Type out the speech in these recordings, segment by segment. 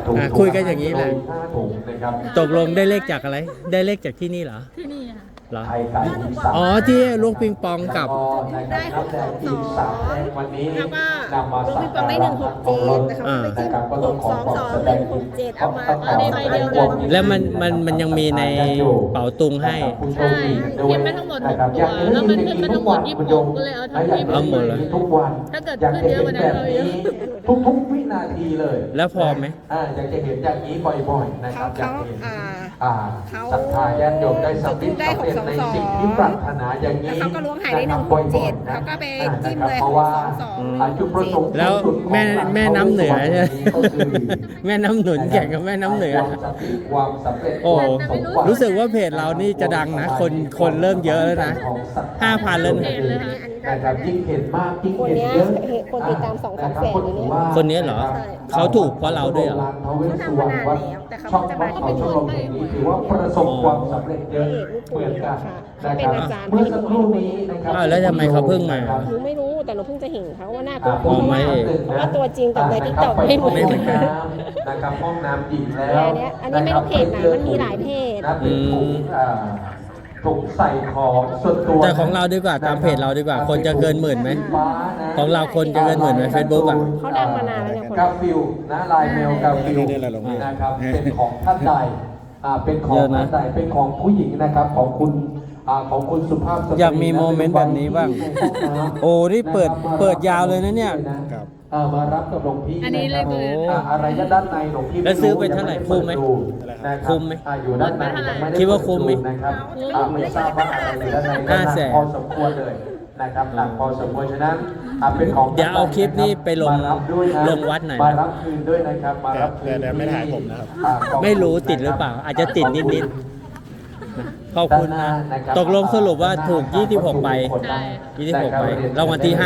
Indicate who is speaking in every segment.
Speaker 1: คุยกันอย่างนี้แหละ
Speaker 2: 5 ถุงนะครับ
Speaker 1: ตกลงได้เลขจากอะไร ได้เลขจากที่นี่เหรอ
Speaker 3: ที่นี่ค่ะ
Speaker 1: เหรอ
Speaker 2: ไข่ไก่อีสาน
Speaker 1: อ๋อที่ลูกปิงปองกับ
Speaker 2: ได้622วันนี้
Speaker 4: แล้วก็
Speaker 2: นำมา
Speaker 4: ลูก
Speaker 2: สั
Speaker 4: ปิ
Speaker 2: ก
Speaker 4: งปองได้
Speaker 2: การะ
Speaker 4: 167แต่เขาไปจิ้ม
Speaker 2: นะครับก็ต้องขอความแสดง
Speaker 4: 622 167เอามา
Speaker 2: เอาในใบเดียวกัน
Speaker 1: แล้วมันยังมีในเป๋าตุงให้
Speaker 3: ใช่เขียนไปทั้งหมด6ตัวแล้วมันขึ้นมาทั้งหมด26ก็เลยเอาทั้ง
Speaker 1: เอาหมดเลย
Speaker 2: ทุกวัน
Speaker 3: ถ้าเกิดขึ้นเยอะกว่านั้นเราเยอะ
Speaker 2: ทุกวินาทีเลย
Speaker 1: แล้วพอไหม
Speaker 2: อยากจะเห็นอย่างนี้บ่อยๆนะครับอยากเห็น
Speaker 4: เขา
Speaker 2: ศรัทธาญาติโยมได้สำเร็จในสิ่งที่ปรารถนาอย่างนี้
Speaker 4: แล้วเขาก็ล้วงหายได้
Speaker 2: นะครับ
Speaker 4: 167เขาก็ไปจิ้มเลย
Speaker 2: เพราะว่า
Speaker 4: 622
Speaker 2: จุดประสงค์
Speaker 1: แล้วแม่น้ำเหนือใช่ไหม
Speaker 2: ก็คือ
Speaker 1: แม่น้ำหนุนแข่งกับแม่น้ำเหนือ
Speaker 2: ความสำเร็จ
Speaker 1: โอ้รู้สึกว่าเพจเรานี่จะดังนะ คนเริ่มเยอะแล้วนะ 5,000แล้วนะ
Speaker 2: นะครับยิ่งเห็นมากยิ่ง
Speaker 4: คน
Speaker 2: เห็น
Speaker 4: เนี้ย
Speaker 2: เยอะ
Speaker 4: คนติดตาม2-3 แสนอยู่เนี่ย
Speaker 1: คนนี้เหรอ เขาถูกเพราะเราด้วยเหรอ
Speaker 4: เขาทำมานานแล้วแต่เขาจะมาที่
Speaker 2: ช่องเขาแห่งนี้ถือว่าประสบความสำเร็จเยอะเหมือนกันนะครับเมื่อสักครู่นี้นะครับ
Speaker 1: อ้าวแล้วทำไมเขาเพิ่งมา
Speaker 4: หนูไม่รู้แต่หนูเพิ่งจะเห็นเขาว่าหน้าตัว
Speaker 1: อ๋อไม่
Speaker 4: เพราะว่าตัวจริงกับในทิกตอกไม่เหมือน
Speaker 1: ไม่เหมื
Speaker 4: กั
Speaker 1: อน นกัน
Speaker 2: นะครับห้องน้ำหญิงแล้ว
Speaker 4: อันนี้ไม่รู้เพจไหนมันมีหลายเพจ
Speaker 2: นะเป็นถุงใส่ของส่วนตัว
Speaker 1: แต่ของเราดีกว่าตามเพจเราดีกว่า คนจะเกินหมื่นไหม ของเราคนจะเกินหมื่นไหม Facebook อ่ะ
Speaker 4: เขาดังมานานแล้วเนี่ยคน
Speaker 2: กาฟิลนะลายเมลกาฟิล
Speaker 5: ได้อะไรลงมา
Speaker 2: นะครับเป็นของท่านใดเป็นของ
Speaker 1: เยอะนะ
Speaker 2: ท่านใดเป็นของผู้หญิงนะครับของคุณสุภาพสตรี
Speaker 1: อยากมีโมเมนต์แบบนี้บ้าง โอ้นี่เปิดยาวเลยนะเนี่ย
Speaker 5: ครับ
Speaker 2: มารับกับหลวงพี่
Speaker 3: อันนี้เลขเลย
Speaker 2: อะไรด้านในหลวงพี่
Speaker 1: แล้วซื้อไปเท่าไหร่คุ้มไหม คุ้มไหม
Speaker 2: อยู่ด้านในยังไม่ได้
Speaker 1: คิดว่าคุ้มไหม
Speaker 2: นะครับไม่ทราบว่าอะไรอยู่ด้านใน
Speaker 1: 500,000
Speaker 2: พอสมควรเลยนะครับหนักพอสมควรฉะนั้นเป็นของ
Speaker 1: เดี๋ยวเอาคลิปนี้ไปลง
Speaker 2: มารับด้วยนะ
Speaker 1: ลงวัดหน่อยนะ
Speaker 2: มารับคืนด้วยนะครับมารับคืน
Speaker 5: แต่ไม่ถ่ายผมนะครับ
Speaker 1: ไม่รู้ติดหรือเปล่า อาจจะติดนิดๆขอบคุณนะ ตกลงสรุปว่าถูก 26 ใบ
Speaker 3: ใช่
Speaker 1: 26 ใบรางวัลที่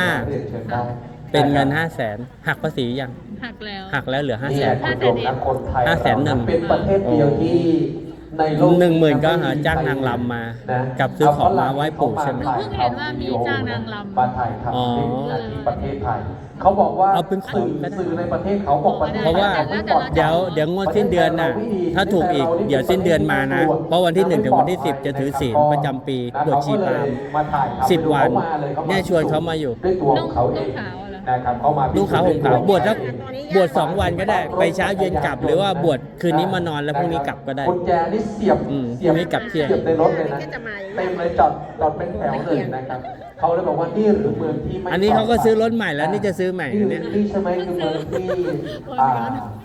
Speaker 1: 5 เป็นเงิน 500,000 หักภาษียัง
Speaker 3: หักแล้ว
Speaker 1: หักแล้วเหลือ
Speaker 2: นี่แหละคุณผู้ชมนะคนไทย
Speaker 1: 500,000
Speaker 2: เป็นประเทศเดียวที่ในโลก
Speaker 1: 10,000ก็หาจ้างนางรำมากับซื้อของมาไหว้ปู่ใช่ไหม
Speaker 3: หนูเพิ่งเห็นว่ามีจ้างนางรำ
Speaker 2: มาถ่ายทำ
Speaker 1: อ๋อ
Speaker 2: ที่ประเทศไทยเขาบอกว่า
Speaker 1: เอาเป็นของก็ได้
Speaker 2: สื่อในประเทศเขาบอกประเทศ
Speaker 1: เพราะว่าเดี๋ยวงวดสิ้นเดือนน่ะ ถ้าถูกอีกเดี๋ยวสิ้นเดือนมานะ เพราะวันที่ 1 ถึงวันที่ 10 จะถือศีลประจำปีบวชชีพราหมณ์ 10 วันเนี่ยชวนเขามาอยู่
Speaker 2: ด้วยตัวของเขาเอง
Speaker 3: นุ่งขาวเหรอ
Speaker 2: นะครับเขามา
Speaker 1: ลูกขาวห่มขาวบวชสักบวช2 วันก็ได้ ไปเช้าเย็นกลับ หรือว่าบวชคืนนี้มานอนแล้วพรุ่งนี้กลับก็ได้
Speaker 2: กุญแจนี่เสียบ
Speaker 1: พรุ่งนี้กลับเที่ยง
Speaker 2: เสียบในรถเลยนะ
Speaker 4: ก็จะมาอย่างนี้
Speaker 2: เต็มเลยจอดเป็นแถวเลยนะครับเขาเลยบอกว่านี่หรือเมืองที่ไม่
Speaker 1: อันนี้เขาก็ซื้อรถใหม่แล้วนี่จะซื้อใหม่
Speaker 2: นี่
Speaker 1: เนี่ย
Speaker 2: นี่ใช่ไหมคือเมืองที่